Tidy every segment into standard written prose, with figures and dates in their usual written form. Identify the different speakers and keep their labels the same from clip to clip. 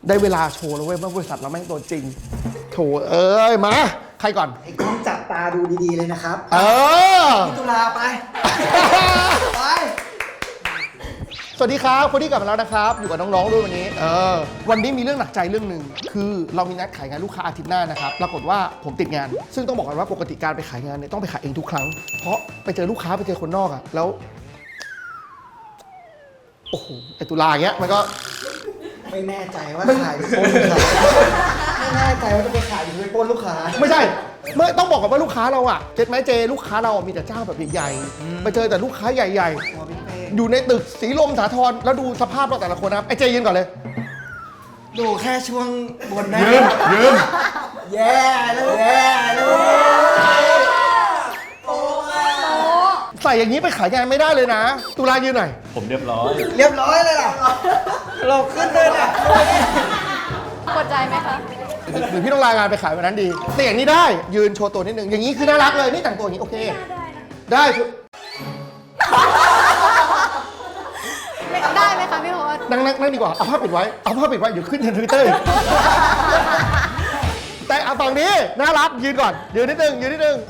Speaker 1: ได้เวลาโชว์แล้วเว้ยว่าบริษัทเราแม่งตัวจริงโถเอ้ยมาใครก่อน
Speaker 2: ไอ้กล้องจับตาดูดีๆเลยนะครับพี่ตุลาไป ไป
Speaker 1: สวัสดีครับคนที่กลับมาแล้วนะครับอยู่กับน้องๆด้วยวันนี้วันนี้มีเรื่องหนักใจเรื่องหนึ่งคือเรามีนัดขายงานลูกค้าอาทิตย์หน้านะครับปรากฏว่าผมติดงานซึ่งต้องบอกกันว่าปกติการไปขายงานเนี่ยต้องไปขายเองทุกครั้งเพราะไปเจอลูกค้าไปเจอคนนอกอะแล้วโอ้โหไอตุลาอย่างเงี้ยมันก็
Speaker 2: ไม่แน่ใจว่าขายหรือปล้นลูกค้าไม่แน่ใจว่าจะไปขายหรือไปปล้นลูกค้า
Speaker 1: ไม่ใช่เมื่อต้องบอกก่อนว่าลูกค้าเราอะเจ็ดไหมเจลูกค้าเรามีแต่เจ้าแบบใหญ่ๆไปเจอแต่ลูกค้าใหญ่ๆอยู่ในตึกสีลมสาทรแล้วดูสภาพเราแต่ละคนนะครับไอเจยืนก่อนเลย
Speaker 2: ดูแค่ช่วงบนได้
Speaker 1: ยืม
Speaker 2: แย่เลย
Speaker 1: ใส่อย่างนี้ไปขายงานไม่ได้เลยนะตุลายืนหน่อย
Speaker 3: ผมเรียบร้อย
Speaker 2: เรียบร้อยเลยล่ะเราขึ้นเลยนะ
Speaker 4: กดใจไหมคะ
Speaker 1: หรือพี่ต้องลางานไปขายวันนั้นดีแต่อย่างนี้ได้ยืนโชว์ตัวนิดนึงอย่างนี้คือน่ารักเลยนี่แต่งตัวอย่างนี้โอเคได้
Speaker 4: ได้ไหมคะพี่โฮส
Speaker 1: นั่งดีกว่าเอาผ้าปิดไว้เดี๋ยวขึ้นในทวิตเตอร์แต่เอาฝั่งนี้น่ารักยืนก่อนยืนนิดนึง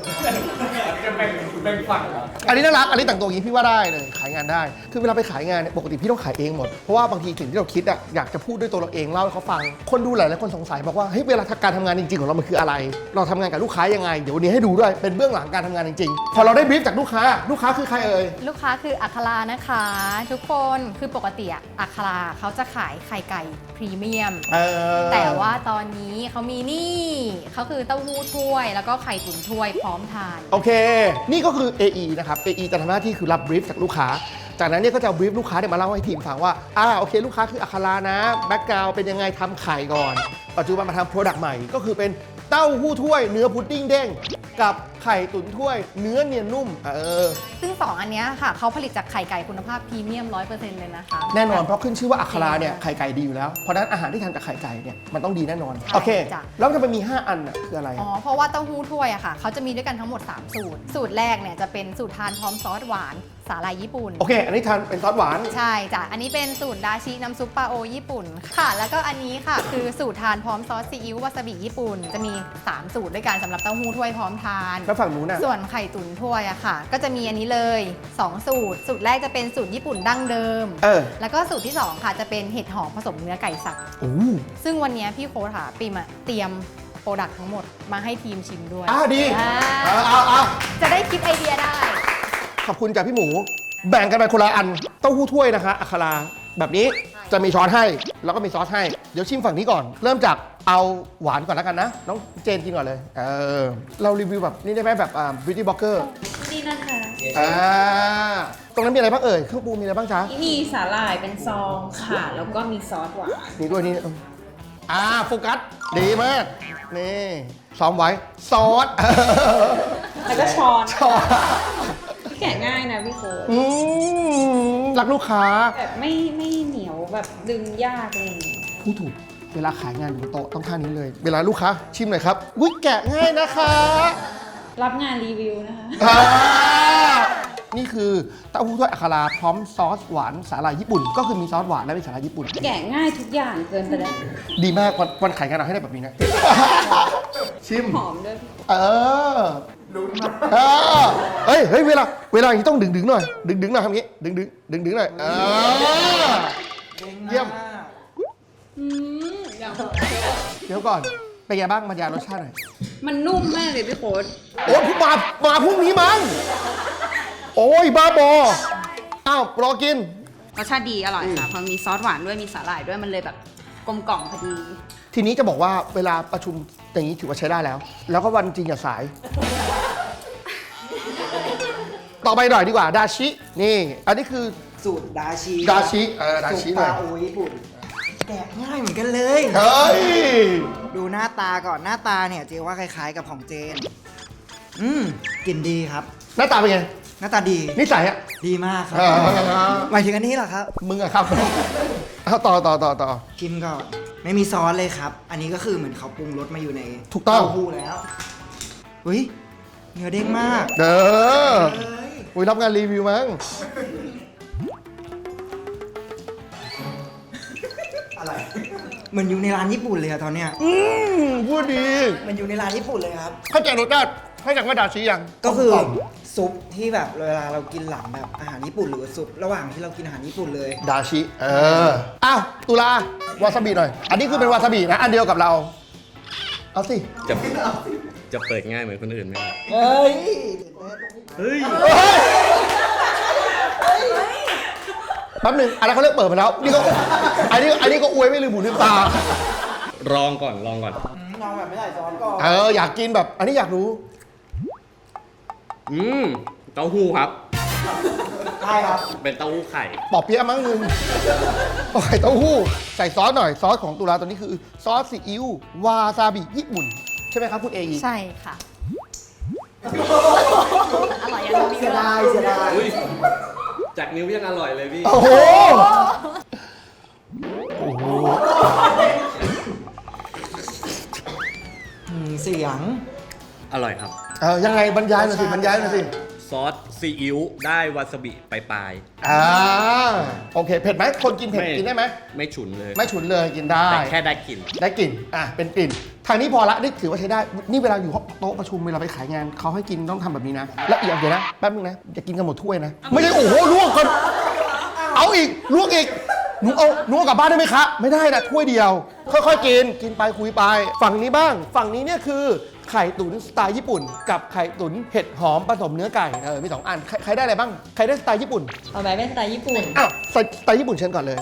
Speaker 1: อันนี้น่ารักอันนี้แต่งตัวอย่างนี้พี่ว่าได้เลยขายงานได้คือเวลาไปขายงานเนี่ยปกติพี่ต้องขายเองหมดเพราะว่าบางทีสิ่งที่เราคิดอะอยากจะพูดด้วยตัวเราเองเล่าให้เขาฟังคนดูหลายคนสงสัยบอกว่าเฮ้ยเวลาการทำงานจริงๆของเรามันคืออะไรเราทำงานกับลูกค้ายังไงเดี๋ยววันนี้ให้ดูด้วยเป็นเบื้องหลังการทำงานจริงๆพอเราได้บรีฟจากลูกค้าคือใครเอ่ย
Speaker 4: ลูกค้าคืออัครานะคะ ทุกคนคือปกติอะอัคราเขาจะขายไข่ไก่พรีเมียมแต่ว่าตอนนี้เขามีนี่เขาคือเต้าหู้ถ้วยแล้วก็ไข่ตุ๋นถ้วยพร้อมทาน
Speaker 1: โอเคนี่ก็คือ AE นะครับ AE จะทำหน้าที่คือรับบรีฟจากลูกค้าจากนั้นเนี่ยก็จะบรีฟลูกค้าเนี่ยมาเล่าให้ทีมฟังว่าโอเคลูกค้าคืออัครานะแบ็กกราวด์เป็นยังไงทำไข่ก่อนปัจจุบันมาทำโปรดักต์ใหม่ก็คือเป็นเต้าหู้ถ้วยเนื้อพุดดิ้งเด้งกับไข่ตุ๋นถ้วยเนื้อเนียนนุ่ม
Speaker 4: ซึ่ง2อันเนี้ยค่ะเขาผลิตจากไข่ไก่คุณภาพพรีเมียม 100% เลยนะคะ
Speaker 1: แน่นอนเพราะขึ้นชื่อว่าอัคราเนี่ยไข่ไก่ดีอยู่แล้วเพราะฉะนั้นอาหารที่ทำจากไข่ไก่เนี่ยมันต้องดีแน่นอนโอเคแล้วจะไปมี5อันคืออะไร
Speaker 4: เพราะว่าเต้าหู้ถ้วยอะค่ะเขาจะมีด้วยกันทั้งหมด3สูตรแรกเนี่ยจะเป็นสูตรทานพร้อมซอสหวานสาหร่ายญี่ปุ่น
Speaker 1: โอเคอันนี้ทานเป็นซอสหวาน
Speaker 4: ใช่จ้ะอันนี้เป็นสูตรดาชิน้ำซุปปลาโอญี่ปุ่นค่ะแล้วก็อันนี้ค่ะคือสูตรทานพร้อมซอสซีอิ๊ววาซาบิญี่ปุ่นจะมี3สูตรด้วยกันสำหรับเต้าหู้ถ้วยพร้อมทาน
Speaker 1: แล้วฝั่งนู้นน่ะ
Speaker 4: ส่วนไข่ตุ๋นถ้วยอะค่ะก็จะมีอันนี้เลย2สูตรแรกจะเป็นสูตรญี่ปุ่นดั้งเดิมแล้วก็สูตรที่2ค่ะจะเป็นเห็ดหอมผสมเนื้อไก่สับซึ่งวันนี้พี่โค้ชค่ะปีมเตรียมโปรดักต์ทั้งหมดมาให้ทีมชิมด้วย
Speaker 1: ดี
Speaker 4: จะได้คิดไอเดียได้
Speaker 1: ขอบคุณจากพี่หมูแบ่งกันไปคนละอันเต้าหู้ถ้วยนะคะอัคราแบบนี้จะมีช้อนให้แล้วก็มีซอสให้เดี๋ยวชิมฝั่งนี้ก่อนเริ่มจากเอาหวานก่อนแล้วกันนะน้องเจนกินก่อนเลยเรารีวิวแบบนี่ได้ไหมแบบbeauty blogger
Speaker 5: นี่นะคะ
Speaker 1: ตรงนั้นมีอะไรบ้างเอ่ยเครื่องปรุงมีอะไรบ้างจ๊ะ
Speaker 5: มีสาหร่ายเป็นซองค่ะแล้วก็มีซอสหวาน
Speaker 1: นี่ด้วยนี่โฟกัสดีมากนี่ซ้อมไว้ซอส
Speaker 5: แล้วก็ช้อนแกะง่ายนะพี่โค้ช
Speaker 1: รักลูกค้า
Speaker 5: แบบไม่เหนียวแบบดึงยากเลย
Speaker 1: พูดถูกเวลาขายงานอยู่บนโต๊ะต้องท่านี้เลยเวลาลูกค้าชิมหน่อยครับอุ๊ยแกะง่ายนะคะ
Speaker 5: รับงานรีวิวนะคะ
Speaker 1: นี่คือเต้าหู้ถ้วยอัคราพร้อมซอสหวานสาหร่ายญี่ปุ่นก็คือมีซอสหวานและมีสาหร่ายญี่ปุ่น
Speaker 5: แกะง่ายทุกอย่างเกินไปแล้ว
Speaker 1: ดีมากวันขายงานเราให้ได้แบบนี้นะชิม
Speaker 5: หอมด้วย
Speaker 1: ลุ้นมากเฮ้ยเวลาอย่างนี้ต้องดึงหน่อยดึงหน่อยทำงี้ดึงหน่อยเยี่ยมเดี๋ยวก่อนเป็นไงบ้างบรรยายรสชาติหน่อย
Speaker 5: มันนุ่มมากเลยพี่โค้ช
Speaker 1: โอ้ยมาพรุ่งนี้มั้งโอ้ยบ้าบอรอกิน
Speaker 5: รสชาติดีอร่อยค่ะพอมีซอสหวานด้วยมีสาหร่ายด้วยมันเลยแบบกลมกล่อมพอดี
Speaker 1: ทีนี้จะบอกว่าเวลาประชุมอย่างนี้ถือว่าใช้ได้แล้วก็วันจริงอย่าสายต่อไปหน่อยดีกว่าดาชินี่อันนี้คือ
Speaker 2: สูตรดาชิ
Speaker 1: เลย
Speaker 2: สูตรปลาโอญี่ปุ่นแกะง่ายเหมือนกันเลย
Speaker 1: เฮ้ย
Speaker 2: ดูหน้าตาก่อนหน้าตาเนี่ยเจว่าคล้ายๆกับของเจนกลิ่นดีครับ
Speaker 1: หน้าตาเป็นไง
Speaker 2: หน้าตาดี
Speaker 1: นิสัย
Speaker 2: ดีมากครับหมายถึงอันนี้เหรอครับ
Speaker 1: มึงอะครับต่อ
Speaker 2: ชิมก่อนไม่มีซอสเลยครับอันนี้ก็คือเหมือนเขาปรุงรสมาอยู่ใน
Speaker 1: ถูกต้อง
Speaker 2: เต้าหู้แล้วเนื้อเด้งมาก
Speaker 1: รับงานรีวิวมั้ง
Speaker 2: อะไรเหมือนอยู่ในร้านญี่ปุ่นเลยอะตอนเนี้ย
Speaker 1: พูดดี
Speaker 2: มันอยู่ในร้านญี่ปุ่นเลยครับ
Speaker 1: เข้าใจรสชาติให้จากว่าดาชิยัง
Speaker 2: ก็คือ
Speaker 1: ลม
Speaker 2: ซุปที่แบบเวลาเรากินหลังแบบอาหารญี่ปุ่นหรือซุประหว่างที่เรากินอาหารญี่ปุ่นเลย
Speaker 1: ดาชิอ้าวตุลาวาซาบิหน่อย อันนี้คือเป็นวาซาบินะ อันเดียวกับเรา เอาสิ
Speaker 3: จะเปิดง่ายเหมือนคนอื่นไหมครับ
Speaker 2: เฮ้ย
Speaker 3: เฮ้ย
Speaker 1: แป๊บหนึงอันนั้นเขาเลิกเปิดไปแล้ว นี่ก็อันนี้ก็อวยไม่ลืมหูลืมตา
Speaker 3: ลองก่อน
Speaker 2: ลองแบบไม่ใส่ซอสก่อน
Speaker 1: อยากกินแบบ อันนี้อยากรู้
Speaker 3: เต้าหู้ครับ
Speaker 2: ใช่ครับ
Speaker 3: เป็นเต้าหู้ไข่
Speaker 1: ปอบเปี๊ยะมั้งมึงปอกไข่เต้าหู้ ใส่ซอสหน่อย ซอสของตุลาตัวนี้คือซอสซีอิ๊ววาซาบิญี่ปุ่น ใช่ไหมครับคุณเอ
Speaker 4: ใช่ค่ะ อร่อยยังมี
Speaker 2: เสียดายเสียดาย
Speaker 3: อุ้ย จากนิ้วยังอร่อยเลยพี่
Speaker 1: โอ้โห
Speaker 2: เสียง
Speaker 3: อร่อยครับ
Speaker 1: ยังไงบรรยายหน่อยสิบรรยายหน่อยสิ
Speaker 3: ซอสซีอิ๊วได้วาซาบิปลาย
Speaker 1: โอเค เผ็ดไหมคนกิน
Speaker 3: ๆ
Speaker 1: เผ็ดกินได้ไหม
Speaker 3: ไม่ฉุนเลย
Speaker 1: ไม่ฉุนเลยกินได้
Speaker 3: แต่แค่ได้กลิ่น
Speaker 1: ได้กลิ่น เป็นกลิ่น ทางนี้พอละนี่ถือว่าใช้ได้ นี่เวลาอยู่โต๊ะประชุมเวลาไปขายงานเขาให้กินต้องทำแบบนี้นะ และอีกอย่างเดียวนะ แป๊บนึงนะ อย่ากินกันหมดถ้วยนะ ไม่ใช่โอ้โหลวกกันเอาอีกลวกอีกหนูเอากลับบ้านได้ไหมคะ ไม่ได้นะถ้วยเดียว ค่อยๆกินไปคุยไป ฝั่งนี้บ้าง ฝั่งนี้เนี่ยคือไข่ตุ๋นสไตล์ญี่ปุ่น กับไข่ตุ๋นเห็ดหอมผสมเนื้อไก่ มี2 อัน ใครได้อะไรบ้าง ใครได้สไตล์ญี่ปุ่น
Speaker 5: เอาไว้เป็นสไตล์ญี่ปุ่น
Speaker 1: อ้าวสไตล์ญี่ปุ่นเชิญก่อนเลย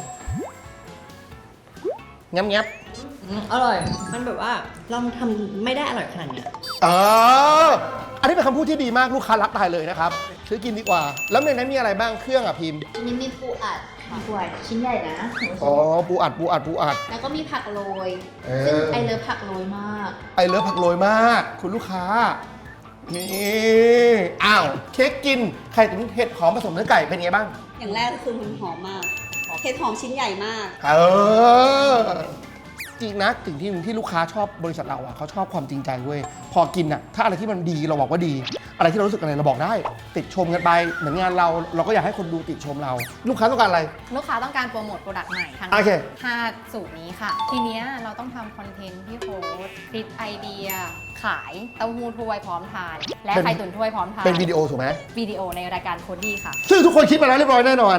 Speaker 1: งับ
Speaker 5: อร่อย มันแบบว่าเราทำไม่ได้อร่อยขนาดเนี้ย
Speaker 1: อันนี้เป็นคำพูดที่ดีมากลูกค้ารักตายเลยนะครับซื้อกินดีกว่า แล้วในนั้นมีอะไรบ้างเครื่องอ่ะพิมพ์
Speaker 6: นี่มีปูอัดค่ะปูอัดชิ้นใหญ่นะ
Speaker 1: อ๋อปูอัด
Speaker 6: แล้วก็มีผักโรย
Speaker 1: เออ
Speaker 6: ซึ่งไอเลิฟผักโรยมาก
Speaker 1: ไอเลิฟผักโรยมาก คุณลูกค้า นี่อ้าวเค้กกินไข่ตุ๋นเห็ดหอมผสมเนื้อไก่เป็นไงบ้าง
Speaker 7: อย่างแรกก็คือมันหอมมากเห็ดหอมชิ้นใหญ่มาก
Speaker 1: จริงนะสิ่งที่ลูกค้าชอบบริษัทเราอ่ะเขาชอบความจริงใจเว้ยพอกินอ่ะถ้าอะไรที่มันดีเราบอกว่าดี อะไรที่เรารู้สึกอะไรเราบอกได้ ติดชมกันไปเหมือนงานเราก็อยากให้คนดูติดชมเรา ลูกค้าต้องการอะไร
Speaker 4: ลูกค้าต้องการโปรโมทโปรดักต์ใหม่ทั้ง
Speaker 1: โอเค
Speaker 4: 5สูตรนี้ค่ะ ทีเนี้ยเราต้องทำคอนเทนต์ที่โค้ดคิดไอเดีย ขายเต้าหู้ถ้วยพร้อมทาน และ
Speaker 1: เป็น
Speaker 4: ไข่ตุ๋นถ้วยพร้อมทาน
Speaker 1: เป็นวิดีโอถูกไหม
Speaker 4: วิดีโอในรายการโคดดี้ค่ะ
Speaker 1: ซึ่งทุกคนคิดมาแล้วเรียบร้อยแน่นอน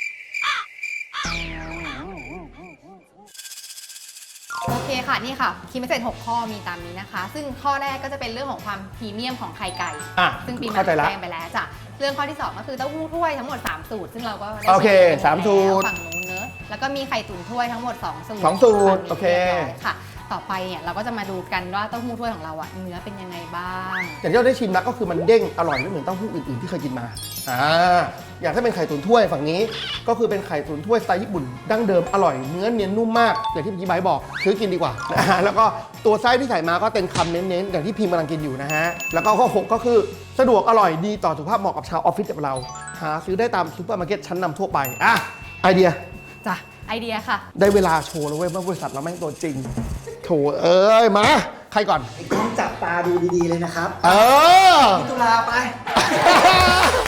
Speaker 4: โอเคค่ะนี่ค่ะคีย์เมสเซจ6ข้อมีตามนี้นะคะ ซึ่งข้อแรกก็จะเป็นเรื่องของความพรีเมียมของไข่ไก่ ซึ่งปีใหม่
Speaker 1: เข้าใจละ
Speaker 4: แจ้งไปแล้วจ้ะเรื่องข้อที่ 2 ก็คือเต้าหู้ถ้วยทั้งหมด 3 สูตร ซึ่งเราก็ได้
Speaker 1: โอเค
Speaker 4: แชร์
Speaker 1: สามสูตร
Speaker 4: ฝั่งนู้นเนอะแล้วก็มีไข่ตุ๋นถ้วยทั้งหมด 2 สูตร
Speaker 1: สองสูตร
Speaker 4: ฝั่งนี้
Speaker 1: โอเค
Speaker 4: รียบร้อยค่ะ ต่อไปเนี่ยเราก็จะมาดูกันว่าเต้าหู้ถ้วยของเราอะเนื้อเป็นยังไงบ้าง
Speaker 1: อย่างที่เราได้ชิมแล้วก็คือมันเด้งอร่อยไม่เหมือนเต้าหู้อื่นๆที่เคยกินมาอย่างถ้าเป็นไข่ตุ๋นถ้วยฝั่งนี้ก็คือเป็นไข่ตุ๋นถ้วยสไตล์ญี่ปุ่นดั้งเดิมอร่อยเนื้อเนียนนุ่มมากอย่างที่พี่ไบร์ทบอกซื้อกินดีกว่าแล้วก็ตัวไส้ที่ใส่มาก็เป็นคำเน้นๆอย่างที่พิมพ์กำลังกินอยู่นะฮะแล้วก็ข้อ6ก็คือสะดวกอร่อยดีต่อสุขภาพเหมาะกับชาวออฟฟิศแบบเราหาซื้อได้ตามซูเปอร์มาร์เก็ตชั้นนำทั่วไปไอเดีย
Speaker 4: จ้ะไอเดียค่ะ
Speaker 1: ได้เวลาโชว์แล้วเว้ยว่าบริษัทเราแม่งตัวจริงโถมาใครก่อน
Speaker 2: ไอ้กล้องจับตาดูดีๆเลยนะครับ พี่ตุลาไป ไป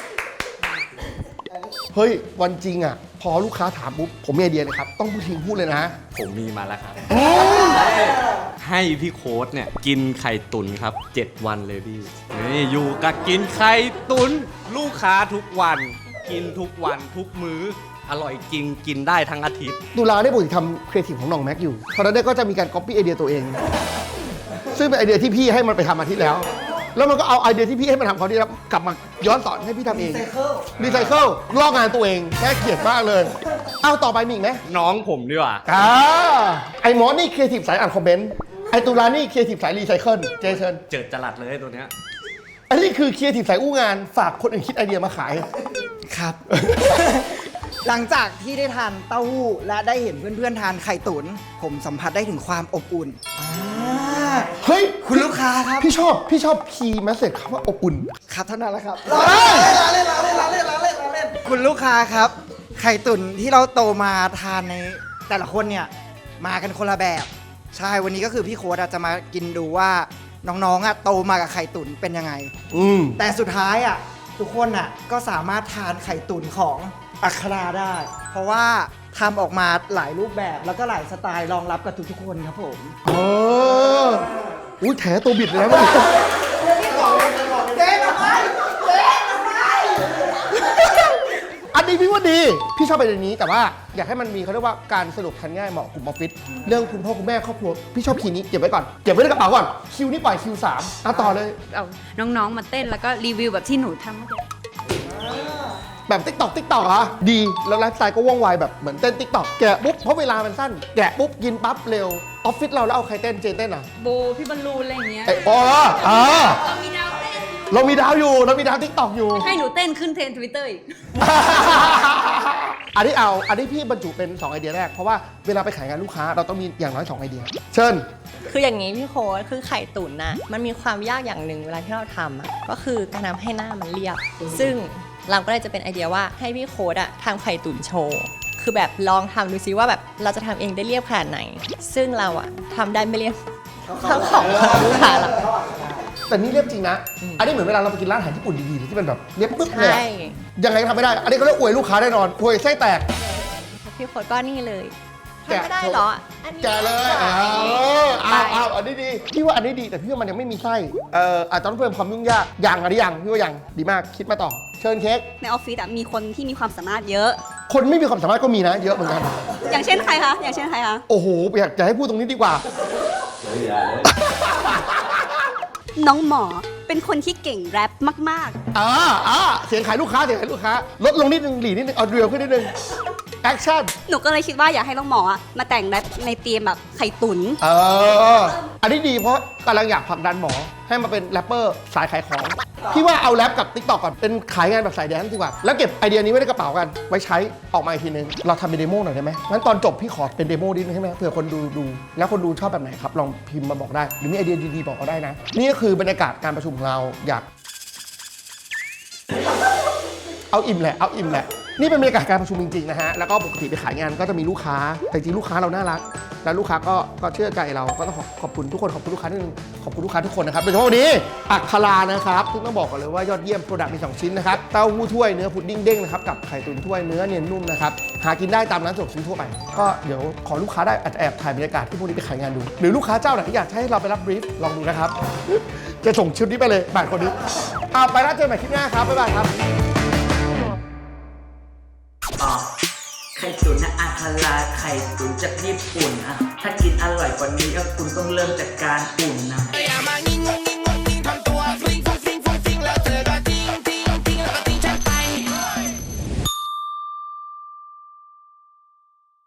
Speaker 1: เฮ้ย วันจริงอ่ะ พอลูกค้าถามปุ๊บ ผมมีไอเดียเลยครับ ต้องพูดทิ้งพูดเลยนะ
Speaker 3: ผมมีมาแล้วครับ ให้พี่โค้ดเนี่ย กินไข่ตุ๋นครับ 7 วันเลยพี่นี่อยู่กับกินไข่ตุ๋นลูกค้าทุกวัน กินทุกวันทุกมื้อ อร่อยจริงกินได้ทั้งอาทิตย์
Speaker 1: ตุลาได้ปกติทำครีเอทีฟของน้องแม็กอยู่เพราะฉะนั้นก็จะมีการก๊อปปี้ไอเดียตัวเอง ซึ่งเป็นไอเดียที่พี่ให้มันไปทำอาทิตย์แล้ว แล้วมันก็เอาไอเดียที่พี่ให้มันทำเขาที่แล้วกลับมาย้อนสอนให้พี่ทำเอง รีไซเคิลลอกงานตัวเองแค่เกลียดมากเลย เอาต่อไปมีอีกไหม
Speaker 3: น้องผมดีกว่า
Speaker 1: ไอหมอนี่ครีเอทีฟสายอ่านคอมเมนต์ ไอตุลานี่ครีเอทีฟสายรีไซเคิล เจเชิญ
Speaker 3: เจิดจรัสเลยตัวเนี้ย
Speaker 1: อันนี้คือครีเอทีฟสายอู้งาน ฝากคนอื่นคิดไอเดียมาขาย
Speaker 2: ครับ หลังจากที่ได้ทานเต้าหู้และได้เห็นเพื่อนๆทานไข่ตุ๋นผมสัมผัสได้ถึงความอบอุ่น
Speaker 1: เฮ้ย
Speaker 2: คุณลูกค้าครับ
Speaker 1: พี่ชอบคีย์แมสเซจคำว่าอบอุ่น
Speaker 2: ครับเท่านั้นแหละครับเล่นคุณลูกค้าครับ ไข่ตุ๋นที่เราโตมาทานในแต่ละคนเนี่ยมากันคนละแบบ ใช่วันนี้ก็คือพี่โค้ดจะมากินดูว่าน้องๆโตมากับไข่ตุ๋นเป็นยังไง แต่สุดท้ายทุกคนก็สามารถทานไข่ตุ๋นของอัคราได้ เพราะว่าทำออกมาหลายรูปแบบแล้วก็หลายสไตล์รองรับกับทุกๆคนครับผม
Speaker 1: อ๋ออุ้ยแถตัวบิดเลยนะมันอันนี้พี่ว่าดี พี่ชอบไปในนี้แต่ว่าอยากให้มันมีเขาเรียกว่าการสรุปทันง่ายเหมาะกลุ่มออฟฟิศเรื่องคุณพ่อคุณแม่ครอบครัวพี่ชอบคีย์นี้เก็บไว้ก่อนเก็บไว้ในกระเป๋าก่อนคิวนี่ปล่อยคิว3ต่อเลย
Speaker 5: เอาน้องๆมาเต้นแล้วก็รีวิวแบบที่หนูทำเมื่อกี้
Speaker 1: แบบติ๊กตอกเหรอดีแล้วไลฟ์สไตล์ก็ว่องไวแบบเหมือนเต้นติ๊กตอกแกะปุ๊บเพราะเวลามันสั้นแกะปุ๊บกินปั๊บเร็วออฟฟิศเราแล้วเอาใครเต้นเจนเต้นอ่ะ
Speaker 5: โบพี่บอลลูนอะไรอย่างเงี้ย
Speaker 1: ไอ้อ๋อ
Speaker 5: เรามีดาวเต้นอยู่
Speaker 1: เรามีดาวอยู่เรามีดาวติ๊กตอกอยู่
Speaker 5: ให้หนูเต้นขึ้นเทรนด์ Twitter อีก
Speaker 1: อันนี้พี่บรรจุเป็น2ไอเดียแรกเพราะว่าเวลาไปขายงานลูกค้าเราต้องมีอย่างน้อย2ไอเดียเชิญ
Speaker 8: คืออย่างนี้พี่โค้ดคือไข่ตุ๋นน่ะมันมีความยากอย่างหนึ่งเวลาที่เราทำอ่ะก็คือการทำให้หน้ามันเรียบ ซึ่งเราก็เลยจะเป็นไอเดียว่าให้พี่โค้ดอ่ะทำไข่ตุ๋นโชว์คือแบบลองทำดูซิว่าแบบเราจะทำเองได้เรียบขนาดไหน ซึ่งเราอ่ะทำได้ไม่เรียบเท่าของลูกค้าเรา
Speaker 1: แต่นี่เรียบจริงนะ อันนี้เหมือนเวลาเราไปกินร้านอาหารญี่ปุ่นดีๆที่เป็นแบบเรียบปึ๊บเลย
Speaker 8: ใช่
Speaker 1: ยังไงก็ทำไม่ได้ อันนี้ก็เรียกอวยลูกค้าแน่นอนอวยไส้แตก
Speaker 8: พี่โค้ดก็นี่เลย
Speaker 1: แกะ
Speaker 8: ทำไม่ได้เหรออันนี้
Speaker 1: แกะเลย
Speaker 8: ขาย
Speaker 1: เอาอันนี้ดีพี่ว่าอันนี้ดีแต่พี่ว่ามันยังไม่มีไส้อาจจะต้องเพิ่มความยุ่งยากอันนี้ยังพี่ว่ายังดีมากคิดมาต่อเชิญเค้ก
Speaker 7: ในออฟฟิศอะมีคนที่มีความสามารถเยอะ
Speaker 1: คนไม่มีความสามารถก็มีนะเยอะเหมือนกัน
Speaker 7: อย่างเช่นใครคะ อย่างเช่นใครคะ
Speaker 1: โอ้โหอยากจะให้พูดตรงนี้ดีกว่า
Speaker 7: น้องหมอเป็นคนที่เก่งแรปมาก
Speaker 1: เสียงขายลูกค้าลดลงนิดนึงหลีนิดนึงเอาเรียวขึ้นนิดนึงแอคชั่น
Speaker 7: ๆ หนูก็เลยคิดว่าอยากให้น้องหมออะมาแต่งแรปในธีมแบบไข่ตุ๋น
Speaker 1: อันนี้ดีเพราะกำลังอยากผลักดันหมอให้มาเป็นแรปเปอร์สายขายของ พี่ว่าเอาแรปกับ TikTok ก่อนเป็นขายงานแบบสายแดนซ์ดีกว่า แล้วเก็บไอเดียนี้ไว้ในกระเป๋ากัน ไว้ใช้ออกมาอีกทีนึง เราทำเป็นเดโมหน่อยได้ไหมงั้นตอนจบพี่ขอเป็นเดโมนิดนึงใช่ไหมเผื่อคนดูแล้วคนดูชอบแบบไหนครับ ลองพิมพ์มาบอกได้ หรือมีไอเดียดีๆบอกก็ได้นะ นี่ก็คือบรรยากาศการประชุมของเราอยาก เอาอิ่มแหละนี่เป็นบรรยากาศการประชุมจริงๆนะฮะ แล้วก็ปกติไปขายงานก็จะมีลูกค้า แต่จริงลูกค้าเราน่ารัก แล้วลูกค้าก็เชื่อใจเรา ก็ต้องขอบคุณทุกคน ขอบคุณลูกค้านิดนึงขอบคุณลูกค้าทุกคนนะครับโดยเฉพาะวันนี้อัครานะครับซึ่งต้องบอกก่อนเลยว่ายอดเยี่ยมโปรดักต์มี2ชิ้นนะครับ เต้าหู้ถ้วยเนื้อพุดดิ้งเด้งนะครับ กับไข่ตุ๋นถ้วยเนื้อเนียนนุ่มนะครับ หากินได้ตามร้านสะดวกซื้อทั่วไป ก็เดี๋ยวขอลูกค้าได้แอบถ่ายบรรยากาศที่พวกนี้ไปขายงานดู หรือลูกค้าเจ้าไหนที่อยากให้เราไปรับบรีฟลองดูนะครับ จะส่งชุดนี้ไปเลย8คนนี้เอาไปแล้วเจอกันใหม่คลิปหน้าครับบ๊ายบายครับ
Speaker 9: ไข่ตุ๋นนะอาคาราไข่ตุ๋นจากญี่ปุ่นอะถ้ากินอร่อยกว่านี้ก็คุณต้องเริ่มจากการอุ่นนะ